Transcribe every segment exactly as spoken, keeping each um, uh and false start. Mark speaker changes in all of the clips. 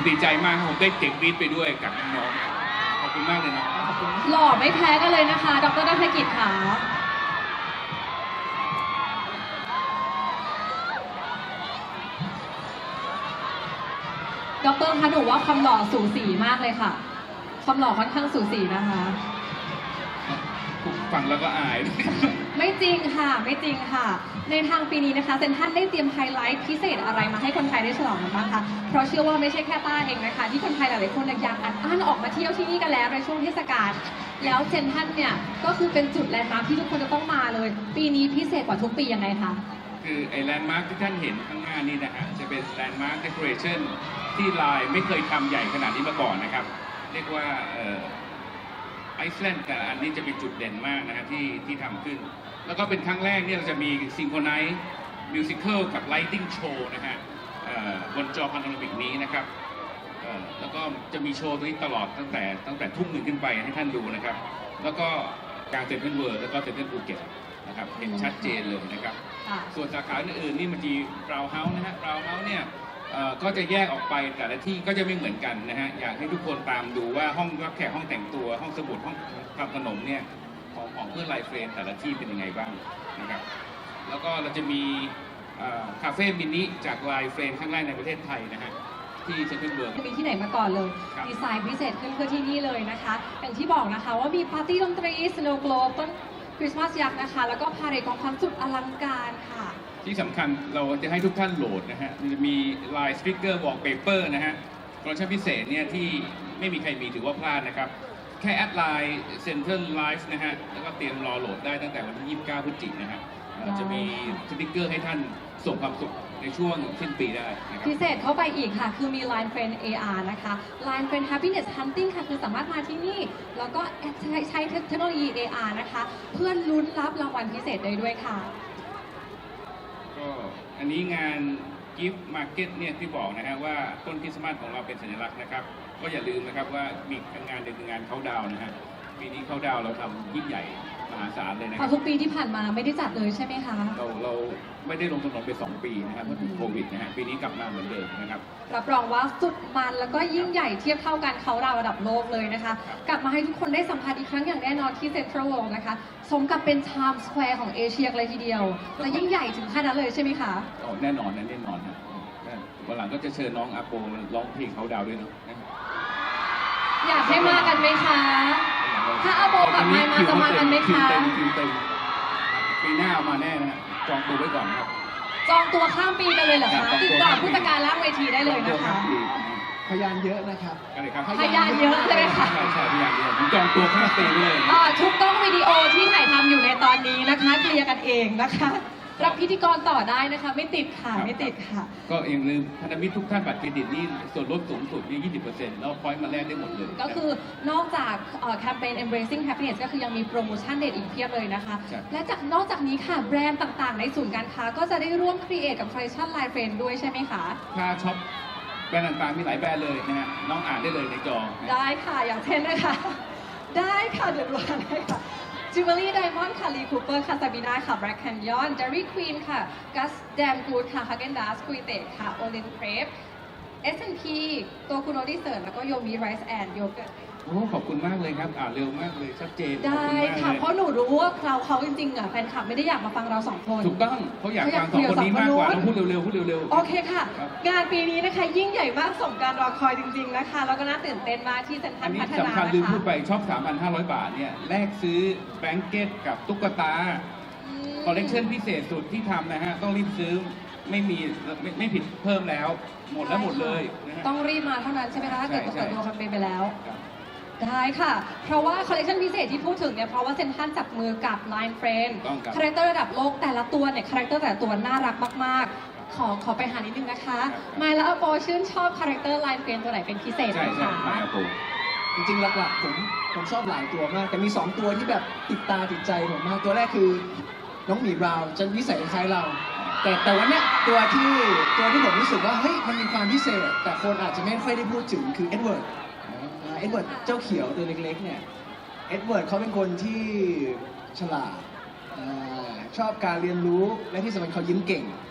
Speaker 1: ดีใจมากครับผมได้เก่งรีดไปด้วยกับน้องๆขอบคุณมากเลยนะ
Speaker 2: หล่อไม่แพ้กันเลยนะคะดร.ณัฐกิจค่ะดร.คะหนูว่าความหล่อสูสีมากเลยค่ะความหล่อค่อนข้างสูสีนะคะ
Speaker 1: ฟังแล้วก็อาย
Speaker 2: ไม่จริงค่ะไม่จริงค่ะในทางปีนี้นะคะเซ็นทรัลได้เตรียมไฮไลท์พิเศษอะไรมาให้คนไทยได้ฉลองกันบ้างคะเพราะเชื่อว่าไม่ใช่แค่ต้าเองนะคะที่คนไทยหลายๆคนอยากอัดอั้นออกมาเที่ยวที่นี่กันแล้วในช่วงเทศกาลแล้วเซ็นทรัลเนี่ยก็คือเป็นจุดแลนด์มาร์คที่ทุกคนจะต้องมาเลยปีนี้พิเศษกว่าทุกปียังไงคะ
Speaker 1: คือไอ้แลนด์มาร์คที่ท่านเห็นข้างหน้านี่นะฮะจะเป็นแลนด์มาร์คเดคอเรชั่นที่ลายไม่เคยทำใหญ่ขนาดนี้มาก่อนนะครับเรียกว่าไอซ์แลนด์แต่อันนี้จะเป็นจุดเด่นมากนะฮะที่ที่ทำขึ้นแล้วก็เป็นครั้งแรกเนี่ยเราจะมีซิงโครไนซ์มิวสิควลกับไลติ้งโชว์นะฮะบนจอพาโนรามิกนี้นะครับแล้วก็จะมีโชว์ตัวนี้ตลอดตั้งแต่ตั้งแต่ทุ่มหนึ่งขึ้นไปให้ท่านดูนะครับแล้วก็การเซ็นทรัลเวิลด์แล้วก็เซ็นทรัลภูเก็ตนะครับเห็นชัดเจนเลยนะครับส่วนสาขาอื่นๆนี่มันมีบราวน์เฮาส์นะฮะบราวน์เฮาส์เนี่ยก็จะแยกออกไปแต่ละที่ก็จะไม่เหมือนกันนะฮะอยากให้ทุกคนตามดูว่าห้องรับแขกห้องแต่งตัวห้องสมุดห้องทำขนมเนี่ยของของเพื่อนไลฟ์เฟรนแต่ละที่เป็นยังไงบ้างนะครับแล้วก็เราจะมีคาเฟ่มินิจากไลฟ์เฟรนข้างแรกในประเทศไทยนะฮะที่เซ็นทรัลเวิลด์
Speaker 2: มีที่ไหนมาก่อนเลยดีไซน์พิเศษขึ้นเพื่อที่นี่เลยนะคะอย่างที่บอกนะคะว่ามีปาร์ตี้ดนตรีสโนว์โกลบต้นคริสต์มาสยักษ์นะคะแล้วก็พาเหรดของความสุดอลังการค่ะ
Speaker 1: ที่สำคัญเราจะให้ทุกท่านโหลดนะฮะจะมีไลน์สปิเกอร์วอลเปเปอร์นะฮะโปรโมชั่นพิเศษเนี่ยที่ไม่มีใครมีถือว่าพลาดนะครับแค่แอดไลน์เซ็นทรัลไลฟ์นะฮะแล้วก็เตรียมรอโหลดได้ตั้งแต่วันที่ยี่สิบเก้าพฤศจิกายนนะฮะจะมีสปิเกอร์ให้ท่านส่งความสุขในช่วงสิ้นปีได้นะครับ
Speaker 2: พิเศษเข้าไปอีกค่ะคือมี Line Friend เอ อาร์ นะคะ Line Friend Happiness Hunting ค่ะคือสามารถมาที่นี่แล้วก็ใช้ใช้เทคโนโลยี เอ อาร์ นะคะเพื่อลุ้นรับรางวัลพิเศษได้ด้วยค่ะ
Speaker 1: ก็อันนี้งาน Gift Market เนี่ยที่บอกนะฮะว่าต้นคริสต์มาสของเราเป็นสัญลักษณ์นะครับก็อย่าลืมนะครับว่ามีงานหนึ่งคืองานเขาดาวนะฮะปีนี้เขาดาวเราทำยิ่งใหญ่มหาศาลเลยนะครับ
Speaker 2: ทุกปีที่ผ่านมาไม่ได้จัดเลยใช่ไหมคะ
Speaker 1: เราเราไม่ได้ลงถนนไปสองปีนะครับเพราะถูกโควิดนะฮะปีนี้กลับมาเหมือนเดิมนะครับ
Speaker 2: รับรองว่าสุดมันแล้วก็ยิ่งใหญ่เทียบเท่ากันเขาดาวระดับโลกเลยนะคะกลับมาให้ทุกคนได้สัมผัสอีกครั้งอย่างแน่นอนที่เซ็นทรัลเวิลด์นะคะสมกับเป็นไทม์สแควร์ของเอเชียเลยทีเดียวและยิ่งใหญ่ถึงขนาดนั้นเลยใช่ไหมคะ
Speaker 1: อ๋อแน่นอนนะแน่นอนครับวันหลังก็จะเชิญน้องอาโปมาร้องเพลงเขาดาวด้วยเนาะ
Speaker 2: อยากให้มากันไหมคะถ้าอาโปกลับมามาจะมากันไหมคะ
Speaker 1: คิวเต็มปีหน้าเอามาแน่นะจองตัวไว้ก่อนครับ
Speaker 2: จองตัวข้ามปีกันเลยเหรอคะติดต่อผู้จัดการล่างเวทีได้เลยนะคะ
Speaker 3: พยานเยอะนะครับ
Speaker 2: พยานเยอะใช่ไหมคะ
Speaker 1: ใช่ใช่พยานเยอะผมจองตัวข้ามปีเลย
Speaker 2: ทุกกล้องวิดีโอที่ถ่ายทำอยู่ในตอนนี้นะคะเคลียร์กันเองนะคะรับพิธีกรต่อได้นะคะไม่ติดค่ะไม่ติดค่ะ
Speaker 1: ก็อย่าลืมพันธมิตรทุกท่านบัตรเครดิตนี่ส่วนลดสูงสุดนี่ ยี่สิบเปอร์เซ็นต์ แล้วพอยต์มาแลกได้หมดเลย
Speaker 2: ก็คือนอกจากแคมเปญ Embracing Happiness ก็คือยังมีโปรโมชั่นเด็ดอีกเพียบเลยนะคะและจากนอกจากนี้ค่ะแบรนด์ต่างๆในศูนย์การค้าก็จะได้ร่วมครีเอทกับ Collection Line Friend ด้วยใช่ไหมคะ
Speaker 1: ถ้าช็อปแบรนด์ต่างๆมีหลายแบรนด์เลยนะฮะน้องอ่านได้เลยในจอ
Speaker 2: ได้ค่ะอย่างเช่นนะคะได้ค่ะเดี๋ยวดูกันได้ค่ะจิวเวลรี่ไดมอนด์ค่ะลีคูเปอร์ค่ะซาบีนาค่ะแบล็กแคนยอนเดอรี่ควีนค่ะกัสแดมกูดค่ะฮาเกนดัสคุยเตะค่ะโอเลนเครปเอสแอนด์พีตัวคุณโอดิเซิร์แล้วก็โยมีไรซ์แอนด์โยเกิร์ต
Speaker 1: โอ้ขอบคุณมากเลยครับอ่านเร็วมากเลยชัดเจน
Speaker 2: ได้ค่ะเพราะหนูรู้ว่าเราเขาจริงๆอ่ะแฟนคลับไม่ได้อยากมาฟังเราสองคน
Speaker 1: ถูกต้องเขาอยากฟังสองคนนี้มากกว่าเราพูดเร็วๆพูดเร็ว
Speaker 2: ๆโอเคค่ะงานปีนี้นะคะยิ่งใหญ่มากสมการรอคอยจริงๆนะคะแล้วก็น่าตื่นเต้นมากที่เซ็นทรัลพัฒนานะคะ
Speaker 1: สำคัญลืมพูดไปช็อป สามพันห้าร้อย บาทเนี่ยแลกซื้อแบงเก็ตกับตุ๊กตาคอลเลคชันพิเศษสุดที่ทำนะฮะต้องรีบซื้อไม่มีไม่ไม่ผิดเพิ่มแล้วหมดแล้วหมดเลย
Speaker 2: ต้องรีบมาเท่านั้นใช่ไหมคะถ้าเกิดเปิดตัวแคมเปญไปแล้วได้ค่ะเพราะว่าคอลเลคชันพิเศษที่พูดถึงเนี่ยเพราะว่าเซ็นทรัลจับมือกับ Line Friend คาแรคเตอร์ระดับโลกแต่ละตัวเนี่ยคาแรคเตอร์แต่ละตัวน่ารักมากๆขอขอไปหานิดนึงนะคะไมล์และอโปชื่นชอบคาแรคเตอร์ Line Friend ตัวไหนเป็นพิเศษไหมคะ
Speaker 3: จริงๆหลักๆผมผมชอบหลายตัวมากแต่มีสองตัวที่แบบติดตาติดใจผมมากตัวแรกคือน้องหมีบราวน์จะนิสัยคล้ายเราแต่แต่วันนี้ตัวที่ตัวที่ผมรู้สึกว่าเฮ้ยมันมีความพิเศษแต่คนอาจจะไม่ค่อยได้พูดถึงคือเอ็ดเวิร์ดเอ็ดเวิร์ดเจ้าเขียวตัวเล็กๆเนี่ยเอ็ดเวิร์ดเขาเป็นคนที่ฉลาดชอบการเรียนรู้และที่สำคัญเขายิ้มเก่ง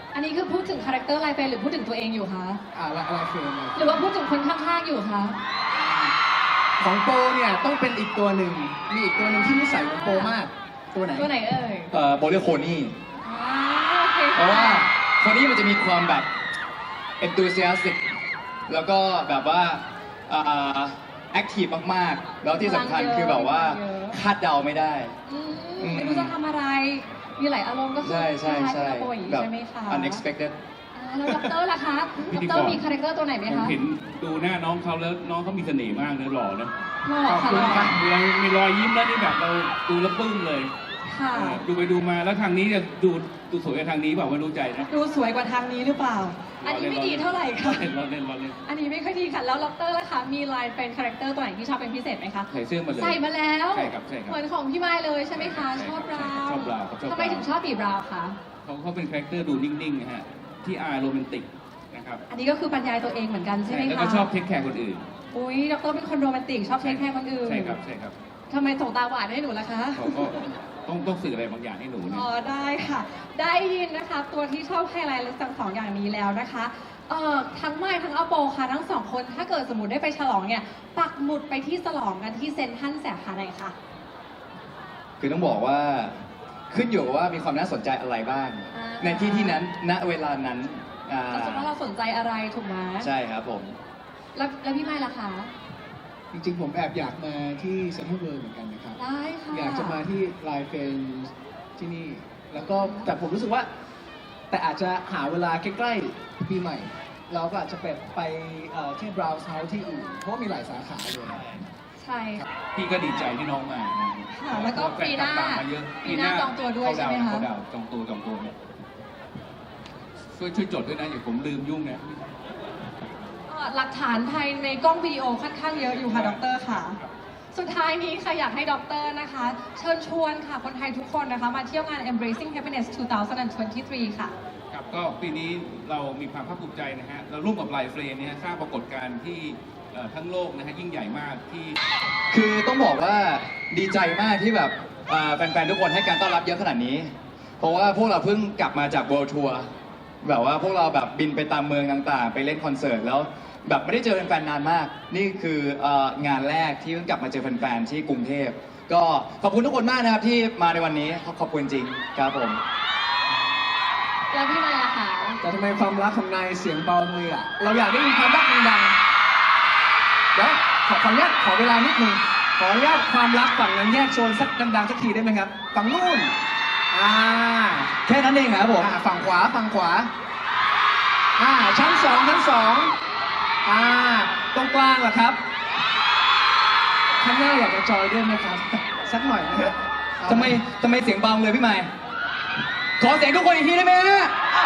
Speaker 2: อันนี้คือพูดถึงคาแรคเตอร์ลายเฟรนหรือพูดถึงตัวเองอยู่คะ
Speaker 3: อ่าละอะไรเฟรม
Speaker 2: หรือว่าพูดถึงคนข้างๆอยู่คะ
Speaker 3: ของโปเนี่ยต้องเป็นอีกตัวหนึ่งมีอีกตัวหนึ่งที่นิสัยของโปมากตัวไหน
Speaker 2: ตัวไหนเอ่ย
Speaker 4: เอ่อโบเรียกโคนี่
Speaker 2: อ่าโอเค
Speaker 4: เพราะว่าโคนี่มันจะมีความแบบ enthusiastic แล้วก็แบบว่าอ่า active มากๆ แล้วที่สำคัญคือแบบว่าคาดเดาไม่ได้
Speaker 2: อืม
Speaker 4: อืม
Speaker 2: ไม่รู้จะทำอะไร มีหลายอารมณ์ก็คือ
Speaker 4: ใช่ใช่ใช่
Speaker 2: คล้ายๆกับโปรอย่างนี้
Speaker 4: แบบ
Speaker 2: ใช่ไหมคะ
Speaker 4: unexpected
Speaker 2: อ่าแล้วด็อกเตอร์ล่ะคะ
Speaker 1: พิ
Speaker 2: ด็อก
Speaker 1: ธีกร
Speaker 2: เตอร์มีคาแรคเตอร์ตัวไหนไหม
Speaker 1: ผม
Speaker 2: คะ
Speaker 1: เห็นดูหน้าน้องเขาแล้วน้องเขามีเสน่ห์มากเนื้อหล่อนะ
Speaker 2: หล่อ
Speaker 1: ขอบ
Speaker 2: ค่ะ
Speaker 1: คุณ
Speaker 2: หล่อ
Speaker 1: ครับมีรอยมีรอยยิ้มแล้วนี่แบบเราดูแล้วปลื้มเลย
Speaker 2: ค่ะ
Speaker 1: เออดูไปดูมาแล้วทางนี้เนี่ยดูดูสวยกว่าทางนี้เปล่าไม่รู้ใจนะ
Speaker 2: ดูสวยกว่าทางนี้หรือเปล่า อันนี้ไม่ดีเท่าไหร่ค่ะ
Speaker 1: เล่นล้อเล่นล้อเล่น
Speaker 2: อันนี้ไม่ค่อยดีค่ะ แล้วด็อกเตอร์ล่ะคะ มีลายเป็นคาแรคเตอร์ตัวไหนที่ชอบเป็นพิเศษไหมคะ
Speaker 1: ใส่เสื้อมาเลย
Speaker 2: ใส่มาแล้ว
Speaker 1: ใช่ครับใช่ครับ
Speaker 2: เหมือนของพี่ไม้เลยใช่ไหมคะ
Speaker 1: ใช่
Speaker 2: ช
Speaker 1: ครั
Speaker 2: อ
Speaker 1: บบ
Speaker 2: ราว
Speaker 1: ชอบบราวน์ครับชอบ
Speaker 2: ทำไมถึงชอบบีบราวน์คะ
Speaker 1: เขาเขาเป็นคาแรคเตอร์ดูนิ่งๆนะฮะที่อายโรแมนติกนะครับ
Speaker 2: อันนี้ก็คือบรรยายตัวเองเหมือนกันใช่ไหมคะ
Speaker 1: แล้วก็ชอบเทคแคร์คนอื่น
Speaker 2: อุ้ยด็อกเตอร์เป็นคนโรแมนติกชอบเทคแคร์คนอื่น
Speaker 1: ใช่ครับใช่ครับ
Speaker 2: ทำไมส่งตาหวานให้หนูล่ะคะ
Speaker 1: เขาก็ต้องต้องสื่ออะไรบางอย่างให้หนูเนี่ย
Speaker 2: อ๋อได้ค่ะ ได้ยินนะคะ ตัวที่ชอบไฮไลท์ทั้งสองอย่างนี้แล้วนะคะเอ่อทั้งไม้ทั้งอัปโปค่ะทั้งสองคนถ้าเกิดสมมติได้ไปฉลองเนี่ยปักหมุดไปที่ฉลองกันที่เซ็นทรัลสาขาไหนคะ
Speaker 4: คือต้องบอกว่าขึ้นอยู่กับว่ามีความน่าสนใจอะไรบ้าง
Speaker 2: อ่า
Speaker 4: ในที่ที่นั้นณเวลานั้นอ่า
Speaker 2: เราจะว่าเราสนใจอะไรถูกไหม
Speaker 4: ใช่ครับผม
Speaker 2: แล้วแล้วพี่ไม้ล่ะคะ
Speaker 3: จริงๆผมแอบอยากมาที่เซ็นทรัลเวิลด์เหมือนกันนะครับ
Speaker 2: ได้ค่ะ
Speaker 3: อยากจะมาที่ไลฟ์เฟนที่นี่ แล้วก็แต่ผมรู้สึกว่า แต่อาจจะหาเวลาใกล้ๆปีใหม่ เราก็อาจจะไปไปเอ่อที่บราวน์เฮาส์ที่อื่น เพราะว่ามีหลายสาขาเลย
Speaker 2: ใช่ค่ะ
Speaker 1: พี่ก็ดีใจที่น้องมานะ
Speaker 2: ค่ะแล้วก็ปีหน้า
Speaker 1: แฟคลับตมมาเยอะ
Speaker 2: ปีหน้าจองตัวด้วยใช่ไหมคะ
Speaker 1: เขาดาวน์จองตัวจองตัวเนี่ยช่วยช่วยจดด้วยนะอย่าผมลืมยุ่งนะ
Speaker 2: เอ่อหลักฐานภายในกล้องวิดีโอค่อนข้างเยอะอยู่ค่ะดรค่ะ สุดท้ายนี้ค่ะอยากให้ดรนะคะ เชิญชวนค่ะคนไทยทุกคนนะคะ มาเที่ยวงาน Embracing Happiness สองพันยี่สิบสาม ค่ะ
Speaker 1: ครับก็ปีนี้เรามีความภาคภูมิใจนะฮะเราร่วมกับไลฟ์เฟรนเนี่ยสร้างปรากฏการณ์ที่เอ่อทั้งโลกนะฮะยิ่งใหญ่มากที่
Speaker 4: คือต้องบอกว่าดีใจมากที่แบบอ่าแฟนๆทุกคนให้การต้อนรับเยอะขนาดนี้ เพราะว่าพวกเราเพิ่งกลับมาจาก World Tour แบบว่าพวกเราแบบบินไปตามเมืองต่างๆ ไปเล่นคอนเสิร์ตแล้วแบบไม่ได้เจอแฟนๆนานมาก นี่คือเอ่องานแรกที่เพิ่งกลับมาเจอแฟนๆที่กรุงเทพก็ขอบคุณทุกคนมากนะครับที่มาในวันนี้ขอบคุณจริงครับผม
Speaker 2: แล้วพี่ไม้ล่ะคะ
Speaker 3: แต่ทำไมความรักของนายเสียงเบาเลยอ่ะ เราอยากได้ยินความรักดังๆเดี๋ยวขอขออนุญาตขอเวลานิดนึงขออนุญาตความรักฝั่งนั้นแยกโซนสักดังๆสักทีได้ไหมครับ ฝั่งนู่น อ่า
Speaker 4: แค่นั้นเองครับผม
Speaker 3: อ่าฝั่งขวาฝั่งขวา อ่า ชั้นสองชั้นสองอ่า ตรงกลางเหรอครับ ข้างหน้าอยากจะจอยด้วยไหมครับ สักหน่อยนะครับ
Speaker 4: ทำไมทำไมเสียงเบาเลยพี่ใหม่ ขอเสียงทุกคนอีกทีได้ไหมฮะ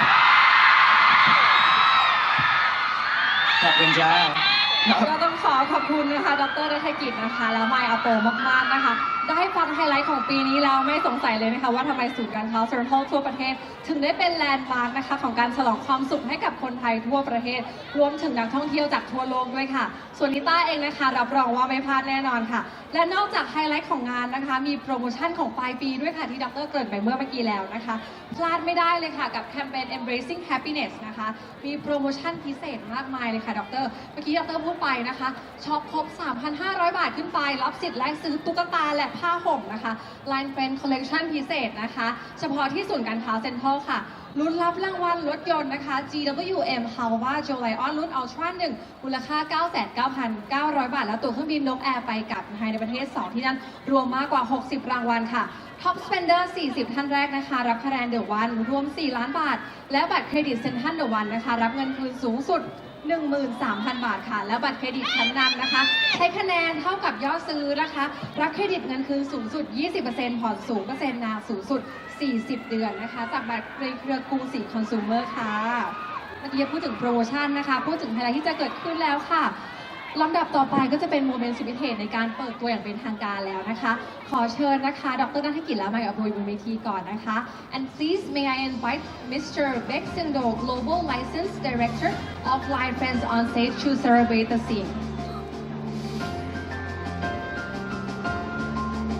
Speaker 4: ขอบคุณจ้า
Speaker 2: ก็ต้องขอขอบคุณนะคะ ดรรัฐกิจนะคะ แล้วไมค์อโปมากๆนะคะ ได้ฟังไฮไลท์ของปีนี้แล้วไม่สงสัยเลยนะคะว่าทำไมศูนย์การค้าเซ็นทรัลทั่วประเทศ ถึงได้เป็นแลนด์มาร์คนะคะของการฉลองความสุขให้กับคนไทยทั่วประเทศ รวมถึงนักท่องเที่ยวจากทั่วโลกด้วยค่ะ ส่วนลิต้าเองนะคะ รับรองว่าไม่พลาดแน่นอนค่ะ และนอกจากไฮไลท์ของงานนะคะ มีโปรโมชั่นของปลายปีด้วยค่ะที่ดรเกริ่นไปเมื่อเมื่อกี้แล้วนะคะ พลาดไม่ได้เลยค่ะกับแคมเปญ Embracing Happiness นะคะ มีโปรโมชั่นพิเศษมากมายเลยค่ะดร เมื่อกี้ดรพูดไปนะคะช็อปครบ สามพันห้าร้อย บาทขึ้นไป รับสิทธิ์แลกซื้อตุ๊กตาและผ้าห่มนะคะ Line Friend Collection พิเศษนะคะ เฉพาะที่ศูนย์การค้าเซ็นทรัลค่ะ ลุ้นรับรางวัลรถยนต์นะคะ จี ดับเบิลยู เอ็ม Hawa Joe Lion รุ่น Ultra หนึ่งมูลค่า เก้าแสนเก้าพันเก้าร้อย บาท และตั๋วเครื่องบินนกแอร์ไปกลับภายในประเทศ สอง ที่นั่นรวมมากกว่า หกสิบ รางวัลค่ะ Top Spender สี่สิบ ท่านแรกนะคะ รับคะแนนเดอะวันรวม สี่ ล้านบาท และบัตรเครดิตเซ็นทรัลเดอะวันนะคะ รับเงินคืนสูงสุด หนึ่งหมื่นสามพัน บาทค่ะ และบัตรเครดิตชั้นนำนะคะ ใช้คะแนนเท่ากับยอดซื้อนะคะ รับเครดิตเงินคืนสูงสุด ยี่สิบเปอร์เซ็นต์ ผ่อนศูนย์เปอร์เซ็นต์ นานสูงสุด สี่สิบ เดือนนะคะ จากบัตรในเครือกรุงศรีคอน sumer ค่ะ เมื่อกี้พูดถึงโปรโมชั่นนะคะ พูดถึงไฮไลท์ที่จะเกิดขึ้นแล้วค่ะ ลำดับต่อไปก็จะเป็นโมเมนต์สุดพิเศษในการเปิดตัวอย่างเป็นทางการแล้วนะคะ ขอเชิญนะคะ ดรนัฐกิจและไมค์อภุยบนเวทีก่อนนะคะ and please may I invite Mister Bexindo Global License Director of Line Friends on stage to celebrate the scene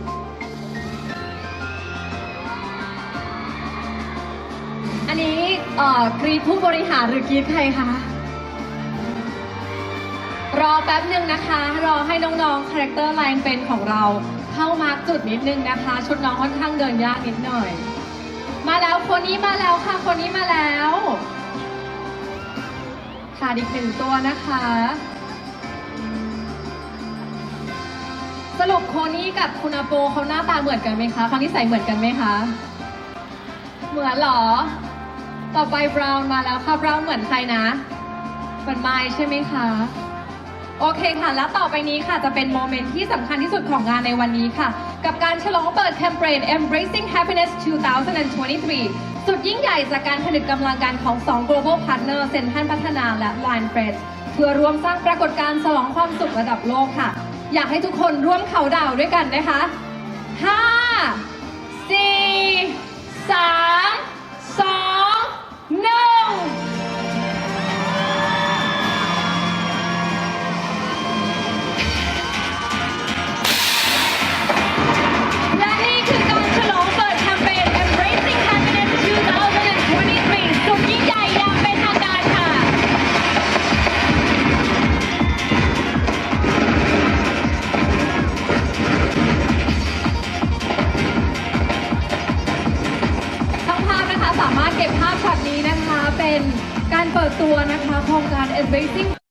Speaker 2: อันนี้เอ่อกรีดผู้บริหารหรือกรีดใครคะ รอแป๊บหนึ่งนะคะ รอให้น้องๆ คาแรคเตอร์ไลน์เป็นของเราเข้ามาร์กจุดนิดนึงนะคะ ชุดน้องค่อนข้างเดินยากนิดหน่อย มาแล้วคนนี้มาแล้วค่ะ คนนี้มาแล้วขาดอีกหนึ่งตัวนะคะ สรุปโคนี่กับคุณอาโปเขาหน้าตาเหมือนกันไหมคะเขานิสัยเหมือนกันไหมคะ เหมือนเหรอ ต่อไปบราวน์มาแล้วค่ะบราวน์เหมือนใครนะเหมือนไมค์ใช่ไหมคะ โอเคค่ะ แล้วต่อไปนี้ค่ะจะเป็นโมเมนต์ที่สำคัญที่สุดของงานในวันนี้ค่ะ กับการฉลองเปิดแคมเปญ Embracing Happiness สองพันยี่สิบสามสุดยิ่งใหญ่จากการผนึกกำลังกันของสอง global partner เซ็นทรัลพัฒนาและ Line Fresh เพื่อรวมสร้างปรากฏการณ์ฉลองความสุขระดับโลกค่ะ อยากให้ทุกคนร่วมเขาน์ดาวน์ด้วยกันนะคะ ห้า สี่ สาม สอง หนึ่ง และนี่คือการฉลองเปิดแคมเปญ Embracing Happiness สองพันยี่สิบสามสุดยิ่งใหญ่อย่างเป็นทางการค่ะ ทั้งภาพนะคะสามารถเก็บภาพช็อตนี้นะคะ เป็นการเปิดตัวนะคะโครงการ Embracing